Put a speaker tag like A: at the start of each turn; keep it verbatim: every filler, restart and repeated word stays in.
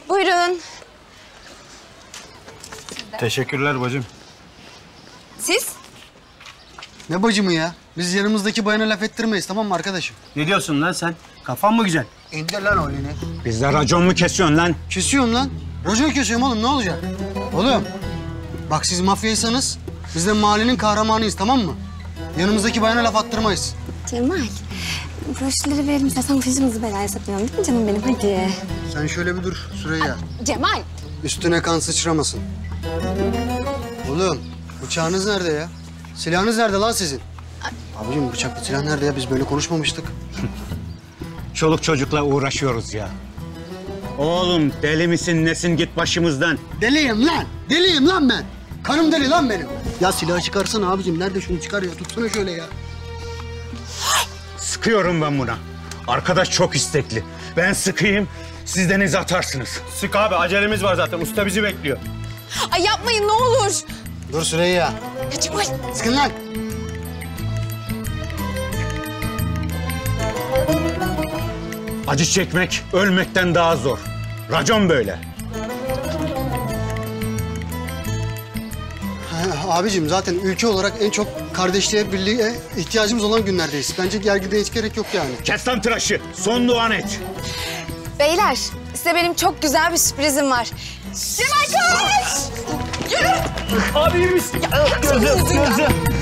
A: Buyurun.
B: Teşekkürler bacım.
A: Siz?
C: Ne bacımı ya? Biz yanımızdaki bayana laf ettirmeyiz, tamam mı arkadaşım?
B: Ne diyorsun lan sen? Kafan mı güzel?
C: İndir lan o elini.
D: Bizde racon mu kesiyorsun lan?
C: Kesiyorum lan. Racon kesiyorum oğlum, ne olacak? Oğlum, bak siz mafyaysanız biz de mahallenin kahramanıyız, tamam mı? Yanımızdaki bayana laf attırmayız.
A: Cemal, broşürleri verelim istersen başımızı belaya satmayalım değil mi canım benim? Hadi.
C: Sen şöyle bir dur Süreyya.
A: Cemal.
C: Üstüne kan sıçramasın. Oğlum, bıçağınız nerede ya? Silahınız nerede lan sizin? Abicim bıçaklı silah nerede ya? Biz böyle konuşmamıştık.
D: Çoluk çocukla uğraşıyoruz ya. Oğlum deli misin nesin git başımızdan.
C: Deliyim lan! Deliyim lan ben! Kanım deli lan benim! Ya silahı çıkarsana abicim. Nerede şunu çıkar ya? Tutsana şöyle ya.
D: Sıkıyorum ben buna. Arkadaş çok istekli. Ben sıkayım, siz deniz atarsınız.
B: Sık abi, acelemiz var zaten. Usta bizi bekliyor.
A: Ay yapmayın ne olur.
C: Dur Süreyya.
A: Ya Cemal.
C: Sıkın lan!
D: Acı çekmek ölmekten daha zor. Racon böyle.
C: Ha, abicim zaten ülke olarak en çok kardeşliğe, birliğe ihtiyacımız olan günlerdeyiz. Bence gergide hiç gerek yok yani.
D: Kes lan tıraşı, son duan et.
A: Beyler, size benim çok güzel bir sürprizim var. Cemal koş! Yürü!
B: Abi iyi misin?
A: Gözüm, gözüm.